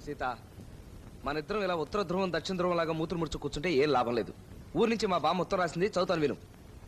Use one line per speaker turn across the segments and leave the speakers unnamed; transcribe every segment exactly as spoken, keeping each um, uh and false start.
సీత, మన ఇద్దరం ఇలా ఉత్తర ధ్రువం దక్షిణ ధ్రువం లాగా మూతులు ముడుచు కూర్చుంటే ఏం లాభం లేదు. ఊరి నుంచి మా బామ్మ ఉత్తరం రాసింది, చదువుతాను విను.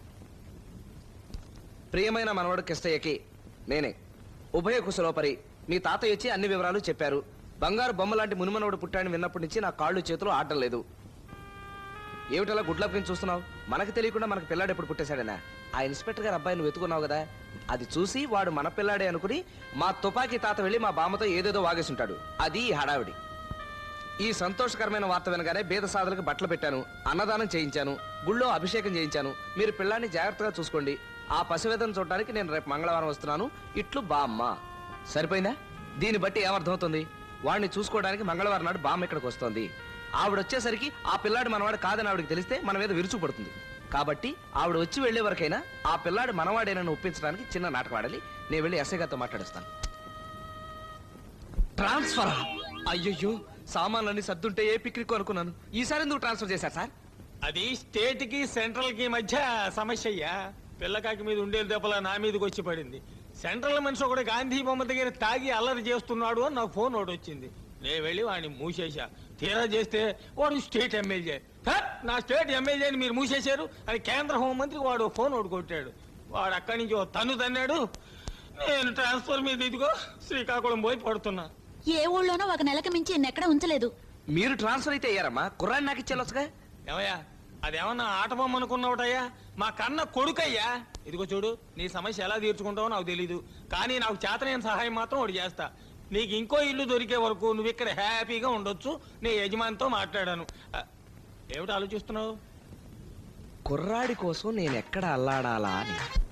ప్రియమైన మనవాడు కిష్టయ్యకి నేనే ఉభయ కుశలోపరి. మీ తాతయ్య వచ్చి అన్ని వివరాలు చెప్పారు. బంగారు బొమ్మ లాంటి మునిమనవుడు పుట్టాడని విన్నప్పటి నుంచి నా కాళ్ళు చేతులు ఆడటం లేదు. ఏమిటలా గుడ్లప్పని చూస్తున్నావు? మనకు తెలియకుండా మనకు పిల్లాడు ఎప్పుడు పుట్టేశాడనా? ఆ ఇన్స్పెక్టర్ గారు అబ్బాయి నువ్వు వెతుకున్నావు కదా, అది చూసి వాడు మన పిల్లాడే అనుకుని మా తుపాకీ తాత వెళ్ళి మా బామ్మతో ఏదేదో వాగేసుంటాడు. అది ఈ హడావిడి. ఈ సంతోషకరమైన వార్త వినగానే బీద సాధులకు బట్టలు పెట్టాను, అన్నదానం చేయించాను, గుళ్ళో అభిషేకం చేయించాను. మీరు పిల్లాన్ని జాగ్రత్తగా చూసుకోండి. ఆ పసివేదన చూడడానికి నేను రేపు మంగళవారం వస్తున్నాను. ఇట్లు బామ్మ. సరిపోయిందా? దీన్ని బట్టి ఏమర్థమవుతుంది? వాడిని చూసుకోవడానికి మంగళవారం నాడు బామ్మ ఇక్కడికి వస్తుంది. ఆవిడ వచ్చేసరికి ఆ పిల్లాడు మనవాడు కాదని ఆవిడకి తెలిస్తే మన మీద విరుచు పడుతుంది. కాబట్టి ఆవిడ వచ్చి వెళ్లే వరకైనా ఆ పిల్లాడు మనవాడేనని ఒప్పించడానికి చిన్న నాటకం ఆడాలి. నేను వెళ్ళి ఎస్ఐ గారితో మాట్లాడిస్తాను. ట్రాన్స్ఫర్? అయ్యయ్యో, సామాన్లన్నీ సర్దుంటే ఏ పిక్నిక్ అనుకున్నాను. ఈసారి ఎందుకు ట్రాన్స్ఫర్ చేశారు సార్?
అది స్టేట్ కి సెంట్రల్ కి మధ్య సమస్య అయ్యా. పిల్లకాకి మీద ఉండేది దెబ్బల నా మీదకి వచ్చి పడింది. సెంట్రల్ మనిషి ఒకటి గాంధీ బొమ్మ దగ్గర తాగి అల్లరి చేస్తున్నాడు అని నాకు ఫోన్ ఒకటి వచ్చింది. నేను వెళ్ళి వాడిని మూసేశా. తీరా చేస్తే వాడు స్టేట్ ఎమ్మెల్యే. నా స్టేట్ ఎమ్మెల్యేని మీరు మూసేశారు అని కేంద్ర హోంమంత్రికి వాడు ఫోన్ ఒకటి కొట్టాడు. వాడు అక్కడి నుంచి ఓ తన్ను తన్నాడు. నేను ట్రాన్స్ఫర్ మీద ఇదిగో శ్రీకాకుళం పోయి పడుతున్నా.
ఏ ఊళ్ళోనో ఒక నెలకి మించి ఎక్కడ ఉంచలేదు.
మీరు ట్రాన్స్ఫర్ అయితే అయ్యారమ్మా, కుర్రాన్ని నాకు ఇచ్చేలొచ్చుగా.
ఏమయ్యా, అదేమన్నా ఆట బొమ్మ అనుకున్నావుటయ్యా? మా కన్న కొడుకయ్యా. ఇదిగో చూడు, నీ సమస్య ఎలా తీర్చుకుంటావో నాకు తెలీదు, కానీ నాకు చేతనైన సహాయం మాత్రం ఒకటి చేస్తా. నీకు ఇంకో ఇల్లు దొరికే వరకు నువ్వు ఇక్కడ హ్యాపీగా ఉండొచ్చు. నీ యజమానితో మాట్లాడాను. ఏమిటి ఆలోచిస్తున్నావు?
కుర్రాడి కోసం నేను ఎక్కడ అల్లాడాలా అని.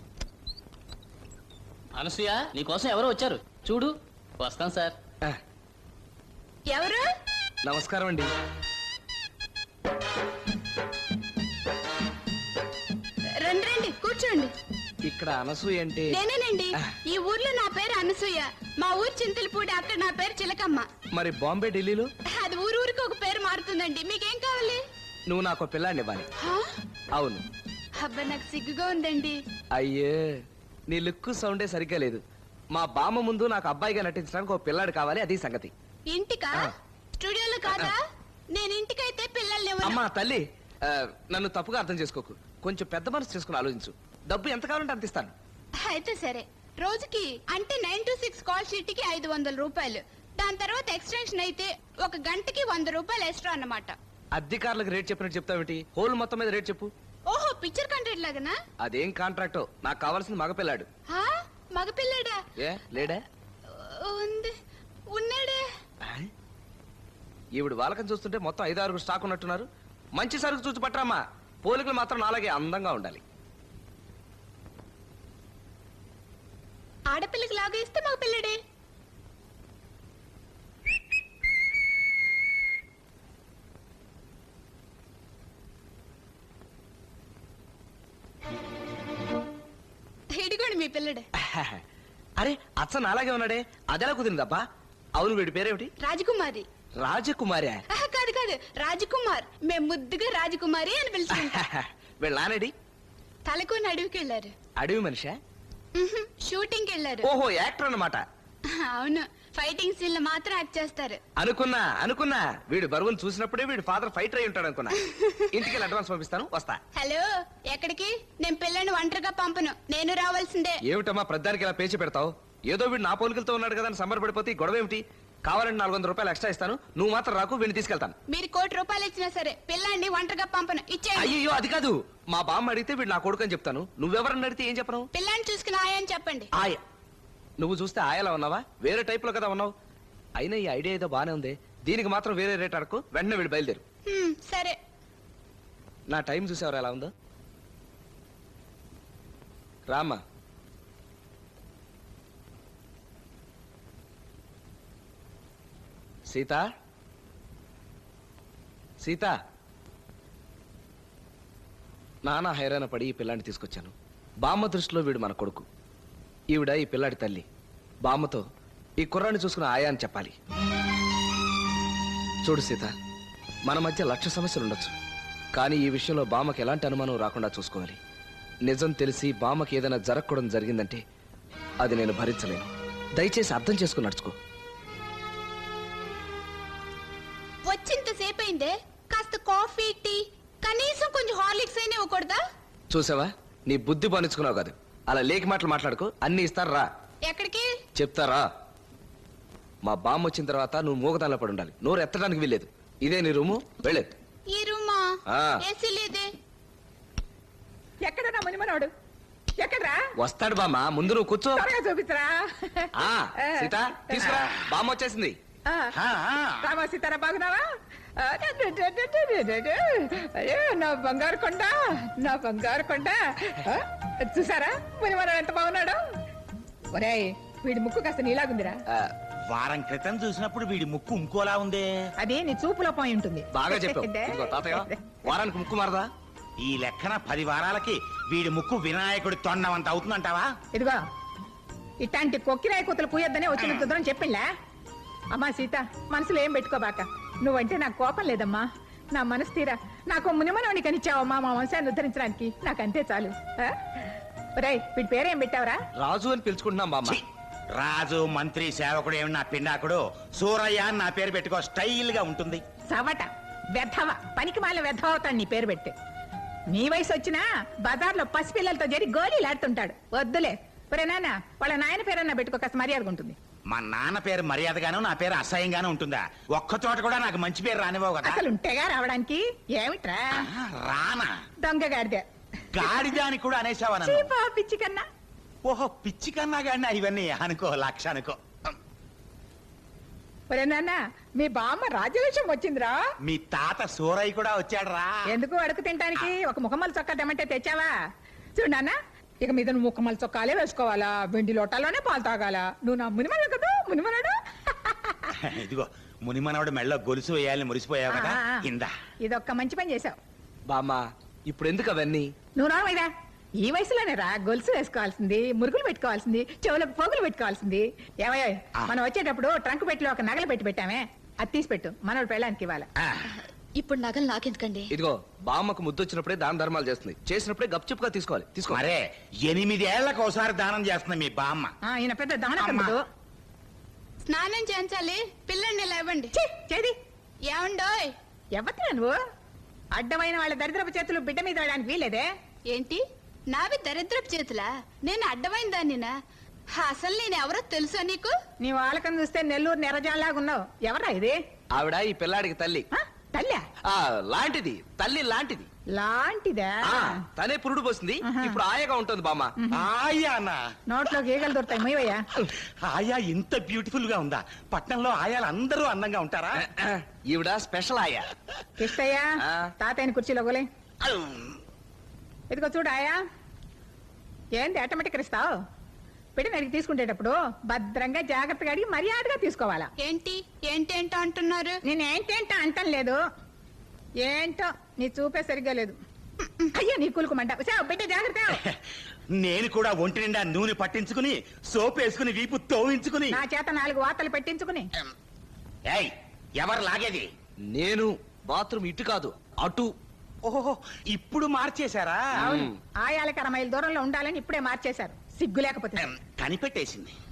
అనసూయ, నీకోసం ఎవరో వచ్చారు చూడు. వస్తాం సార్.
ఎవరు?
నమస్కారం అండి.
రండి రండి, కూర్చోండి.
ఇక్కడ అనసూయ అంటే?
నేనేనండి. ఈ ఊర్లో నా పేరు అనసూయ. మా ఊరు చింతలపూడి, అక్కడ నా పేరు చిలకమ్మ.
మరి బాంబే, ఢిల్లీలో?
అది ఊరు ఊరికి ఒక పేరు మారుతుందండి. మీకేం కావాలి?
నువ్వు నాకు పిల్లాన్ని ఇవ్వాలి. అవును.
అబ్బా, నాకు సిగ్గుగా ఉందండి.
అయ్యే, నీ లుక్ సౌండే సరిగ్గా లేదు. మా బామ్మ ముందు నాకు అబ్బాయిగా నటించడానికి ఒక పిల్లాడు కావాలి, అది సంగతి.
ఇంటికా? స్టూడియోలో కాదా? నేను ఇంటికైతే పిల్లల్ని
అమ్మా తల్లి, నన్ను తప్పుగా అర్థం చేసుకోకు. కొంచెం పెద్ద మనసు చేసుకుని ఆలోచించు. డబ్బు ఎంత కావాలంటే అంత ఇస్తాను.
అయితే సరే. రోజుకి అంటే nine to six call sheet కి ఐదు వందల రూపాయలు. దాని తర్వాత ఎక్స్టెన్షన్ అయితే ఒక గంటకి వంద రూపాయలు ఎక్స్ట్రా అన్నమాట.
అధికారులకు రేట్ చెప్పినట్టు చెప్తావేంటి? హోల్ మొత్తం మీద రేట్ చెప్పు.
ఓహో, పిక్చర్ కాంట్రాక్ట్ లాగానా?
అదేం కాంట్రాక్టో, నాకు కావాల్సింది మగపిల్లాడు.
మగపిల్లాడా?
ఏ లేడా?
ఉంది, ఉన్నాడే.
ఈవిడ వాళ్ళకని చూస్తుంటే మొత్తం ఐదు ఆరుగురు స్టాక్ ఉన్నట్టున్నారు. మంచి సరుకు చూసి పట్టరమ్మా. పోలికలు మాత్రం నాలాగే అందంగా ఉండాలి.
ఆడపిల్లకి లాగా ఇస్తే మగ పిల్లడే. ఇదిగోండి మీ పిల్లడే.
అరే, అచ్చ నాలాగే ఉన్నాడే, అదెలా కుదిరిందబ్బా? అవును, వీడి పేరేమిటి?
రాజకుమారి.
రాజకుమారి?
కాదు కాదు, రాజకుమార్. మేము ముద్దుగా రాజకుమారి అని పిలుచుకుంటాం.
వీళ్ళ నానడి?
తలకొని అడవికి వెళ్ళారు.
అడవి మనిషా?
షూటింగ్ వెళ్ళారు.
ఓహో, యాక్టర్ అన్నమాట.
అవును, ఫైటింగ్ సీన్ మాత్రం యాక్ట్ చేస్తారు.
అనుకున్నా అనుకున్నా వీడు బరువును చూసినప్పుడే వీడి ఫాదర్ ఫైటర్ అయి ఉంటాడు అనుకున్నా. ఇంటికి అడ్వాన్స్ పంపిస్తాను, వస్తా.
హలో, ఎక్కడికి? నేను పిల్లని ఒంటరిగా పంపను, నేను రావాల్సిందే.
ఏమిటమ్మా ప్రధానికి ఇలా పేచి పెడతావు? ఏదో వీడు నా పోలికలతో ఉన్నాడు కదా అని సంబరపడిపోతే గొడవ ఏమిటి? కావాలంటే నాలుగు వందల రూపాయలు ఎక్స్ట్రా ఇస్తాను, నువ్వు మాత్రం రాకు, వీడిని తీసుకెళ్తాను.
మీరు కోటి రూపాయలు ఇచ్చినా సరే పిల్లాన్ని ఒంటరిగా పంపను, ఇచ్చేయండి.
అయ్యో, అది కాదు. మా బామ్మ అడిగితే వీడు నా కొడుకు అని చెప్తాను. నువ్వెవరని అడిగితే ఏం చెప్పను?
పిల్లాన్ని చూసుకుని ఆయని చెప్పండి.
ఆయ? నువ్వు చూస్తే ఆయలా ఉన్నావా? వేరే టైప్ లో కదా ఉన్నావు. అయినా ఈ ఐడియా ఏదో బానే ఉంది. దీనికి మాత్రం వేరే రేట్ అడకు, వెంటనే వీడు బయలుదేరు.
సరే.
నా టైం చూసేవారు ఎలా ఉందో. రామ్మా. సీత, సీత. నానా హైరాణ పడి ఈ పిల్లాన్ని తీసుకొచ్చాను. బామ్మ దృష్టిలో వీడు మన కొడుకు, ఈవిడ ఈ పిల్లాడి తల్లి. బామ్మతో ఈ కుర్రాన్ని చూసుకుని ఆయా అని చెప్పాలి. చూడు సీత, మన మధ్య లక్ష సమస్యలు ఉండొచ్చు, కానీ ఈ విషయంలో బామ్మకి ఎలాంటి అనుమానం రాకుండా చూసుకోవాలి. నిజం తెలిసి బామ్మకి ఏదైనా జరగకూడదు జరిగిందంటే అది నేను భరించలేను. దయచేసి అర్థం చేసుకుని నడుచుకో.
వచ్చింతసేపు అయిందే కాస్త కాఫీ టీ కనీసం కొంచెం హార్లిక్స్ అయినా ఇవ్వకూడదా?
చూసావా నీ బుద్ధి పనిచుకున్నావు కాదు. అలా లేకి మాటలు మాట్లాడుకో, అన్ని ఇస్తారు రా.
ఎక్కడికి?
చెప్తారా? మా బామ్మ వచ్చిన తర్వాత నువ్వు మూగదానిలో పడి ఉండాలి. నోరు ఎత్తడానికి వీల్లేదు. ఇదే నీ రూము, వెళ్ళేది.
ఈ రూమా?
ఆ.
ఏసీ లేదే.
ఎక్కడన్నా మునిమనోడు ఎక్కడ్రా?
వస్తాడు బామ్మ, ముందు నువ్వు కూర్చో.
త్వరగా చూపిస్తారా?
ఆ, సీత తీసుకురా, బామ్మ వచ్చేసింది.
రామా సీతారా బాగున్నావా? ఆ, డు, డు, డు, డు, డు, డు, డు. అయ్యో నా బంగారు కొండ, నా బంగారు కొండ. ఆ, చూసారా మునిమనోడు ఎంత బాగున్నాడు? ఒరేయ్ వీడి ముక్కు కాస్త నీలాగుందిరా.
ఆ,
వారం క్రితం చూసినప్పుడు వీడి ముక్కు ఇంకోలా ఉందే.
అది నీ చూపులో పోయి ఉంటుంది.
బాగా చెప్పావు. ఇదిగో తాతయ్య, వారానికి ముక్కు మారదా?
ఈ లెక్కన పది వారాలకి వీడి ముక్కు వినాయకుడి తొండమంత అవుతుందంటావా?
ఇదిగో ఇట్లాంటి కొక్కిరాయి కూతులు కూయొద్దనే వచ్చిన కుదరం చెప్పిండ్లా? అమ్మా సీత, మనసులో ఏం పెట్టుకోబాక. నువ్వంటే నాకు కోపం లేదమ్మా. నా మనసు తీరా నాకు మునిమనవని కనిచ్చావమ్మా మా వంశాన్ని ఉద్ధరించడానికి. నాకు అంతే చాలు. ఆ? ఒరేయ్ వీడి పేరేం పెట్టావురా?
రాజు అని పిలుచుకుంటున్నాం బామ్మ.
ఛీ! రాజు మంత్రి సేవకుడు ఏమి నా పిండాకుడు సూరయ్య అని నా పేరు పెట్టుకో, స్టైల్ గా ఉంటుంది.
సవట వెధవ పనికి మాల వెధవ అవుతాడు నీ పేరు పెట్టి. నీ వయసు వచ్చినా బజార్లో పసిపిల్లలతో జరి గోళీలాడుతుంటాడు. వద్దులే. ఒరే నాన్న, వాళ్ళ నాయన పేరన్నా పెట్టుకో, కాస్త మర్యాదగా ఉంటుంది.
మా నాన్న పేరు మర్యాదగాను నా పేరు అసహ్యంగాను ఉంటుందా? ఒక్క చోట కూడా నాకు మంచి పేరు రానివ్వవు కదా.
అసలు ఉంటేగా రావడానికి. ఏమిట్రా
ఆ, రానా
దొంగ గాడిదే.
గాడిదానికి కూడా అనేసావా నన్ను?
చీపా పిచ్చి కన్నా.
ఓహో పిచ్చి కన్నా గాడినా ఇవన్నీ అనుకో, లక్ష అనుకో.
ఒరే నాన్న, మీ బామ్మ రాజ్యలక్ష్యం వచ్చిందిరా.
మీ తాత సూరయ్య కూడా వచ్చాడు రా.
ఎందుకు అడుగు తినడానికి? ఒక ముఖమల్ చొక్కా తెమ్మంటే తెచ్చావా? చూడు నాన్న, ఇక మీద నువ్వు ముఖమల్ చొక్కాలే వేసుకోవాలా, వెండి లోటాలోనే పాలు తాగాల. నువ్వు నా మునిమడు కదా, మునిమనడు.
ఇదిగో మునిమనవడు మెళ్ళో గొలుసు వేయాలని మురిసిపోయావు కదా,
ఆ, ఆ.
ఇందా.
ఇదొక్క మంచి పని చేసావు.
బామ్మ ఇప్పుడు ఎందుకు అవన్నీ?
నువ్వు నావైదా ఈ వయసులోనే రా గొలుసు వేసుకోవాల్సింది, మురుగులు పెట్టుకోవాల్సింది, చెవులకు పోగులు పెట్టుకోవాల్సింది. ఏమయ్యో
ఆ.
మనం వచ్చేటప్పుడు ట్రంక్ పెట్టిలో ఒక నగలు పెట్టి పెట్టామే, అది తీసి పెట్టు, మనోడు పెళ్ళానికి ఇవ్వాలి.
ఆ,
ఇప్పుడు నగలు నాకెందుకండి?
ఇదిగో బామ్మకు ముద్దు వచ్చినప్పుడే దాన ధర్మాలు చేస్తుంది, చేసినప్పుడే గప్చుప్గా తీసుకోవాలి. తీసుకో.
మరే ఎనిమిదేళ్లకు ఒకసారి దానం చేస్తుంది మీ బామ్మ.
ఆ, ఈయన పెద్ద దానకర్ముడు.
స్నానం చేయించాలి, పిల్లల్ని లేవండి.
ఛీ, చేది
ఏమండోయ్?
ఎవరిరా నువ్వు? అడ్డమైన వాళ్ళ దరిద్రపు చేతులు బిడ్డ మీద వేయడానికి వీలేదే.
ఏంటి నావి దరిద్రపు చేతులా? నేను అడ్డమైన దాన్నినా? అసలు నేను ఎవరో తెలుసా నీకు?
నీ వాళ్ళకం చూస్తే నెల్లూరు నెరజాలాగా ఉన్నావు. ఎవరా ఇది?
ఆవిడ ఈ పిల్లాడికి తల్లి.
ఆ, తల్లా
ఆ లాంటిది, తల్లి లాంటిది.
లాంటిదా?
ఆ తనే పురుడు పోసింది, ఇప్పుడు ఆయాగా ఉంటుంది బామ్మ.
ఆయానా?
నోట్లో గీగలు దొరుకుతాయి మొయ్యవయ్యా.
ఆయా ఇంత బ్యూటిఫుల్ గా ఉందా? పట్నంలో ఆయాలు అందరూ అందంగా ఉంటారా?
ఈవిడ స్పెషల్ ఆయా.
కిష్టయ్యా,
ఆ.
తాతయ్యని కుర్చీలో గోలే. ఇదిగో చూడు ఆయా, ఏంది ఆటోమేటిక్ ఇస్తావు? పెట్టి అడిగి తీసుకునేటప్పుడు భద్రంగా జాగ్రత్తగా అడిగి మర్యాదగా తీసుకోవాలా.
ఏంటి ఏంటేంటో అంటున్నారు?
నేను ఏంటేంటో అంటం లేదు, ఏంటో నీ చూపే సరిగ్గా లేదు. అయ్యో నీ కులుకుమంట. బిడ్డ జాగ్రత్త.
నేను కూడా ఒంటి నిండా నూనె పట్టించుకుని సోప్ వేసుకుని వీపు తోవించుకుని.
నా చేత నాలుగు వార్తలు పెట్టించుకుని.
ఏయ్, ఎవరు లాగేది?
నేను బాత్రూమ్ ఇటు కాదు అటు.
ఓహో, ఇప్పుడు మార్చేశారా?
అవును, ఆయాలకి అర మైలు దూరంలో ఉండాలని ఇప్పుడే మార్చేశారు. సిగ్గు లేకపోతే.
కనిపెట్టేసింది.